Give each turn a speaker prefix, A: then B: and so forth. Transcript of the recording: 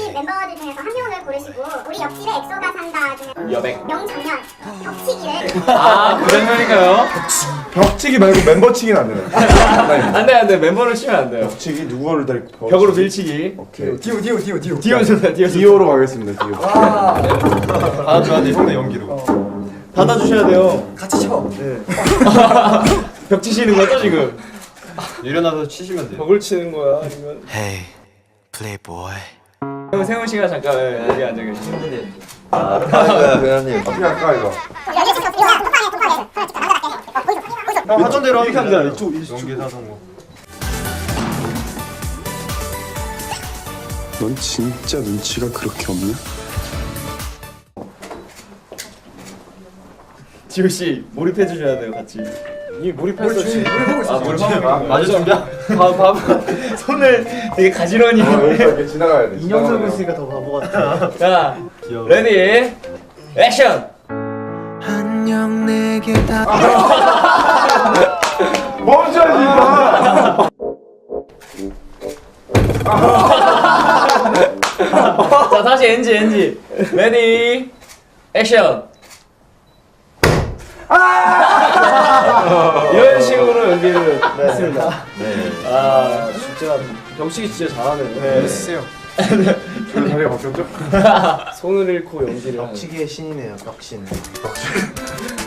A: 옆집 멤버들 중에서 한 명을 고르시고 우리 옆집에 엑소가 산다 중에
B: 여백.
A: 명장면 벽치기를
B: 아 그런 편인가요?
C: 벽치기 말고 멤버치기는 안 되네.
B: 안돼 멤버를 치면 안 돼요.
C: 벽치기 누구를 데리고
B: 벽으로 밀치기.
C: 오케이.
D: 디오.
B: 디오 좋다 디오 좋다.
C: 디오로 가겠습니다. 디오.
D: 받아줘야 돼, 형의 연기로.
B: 받아주셔야 돼요.
D: 같이 쳐.
B: 벽 치시는 거죠 지금?
D: 일어나서 치시면 돼요.
B: 벽을 치는 거야 아니면?
E: Hey, playboy.
B: 형 세훈 씨가 잠깐 여기 앉아 계시죠.
D: 회원님.
C: 어떻게 할까 이거?
D: 형 하던 대로 하면
B: 됩니다.
D: 이쪽 연기 사선 거.
C: 넌 진짜 눈치가 그렇게 없냐?
B: 지호 씨 몰입해 주셔야 돼요 같이. 이 몰입했어 지금.
D: 몰입하고 있어.
B: 몰입하고
D: 맞아 준비야?
B: 봐봐 손을 되게 가지런히.
C: 이렇게 지나가야 돼.
D: 인형 들고 있으니까 더 바보 같아.
B: 자
D: 귀여워.
B: 레디 액션.
E: 안녕 내게 다.
C: 멈춰야지 이거.
B: 자 다시 NG 레디 액션. 이런 식으로 연기를 했습니다.
D: 네.
B: 아 진짜 병식이 진짜 잘하네요. 네.
D: 해주세요.
C: 저 자리가 바뀌었죠?
B: 손을 잃고 연기를 하는.
D: 벽치기의 신이네요, 벽신.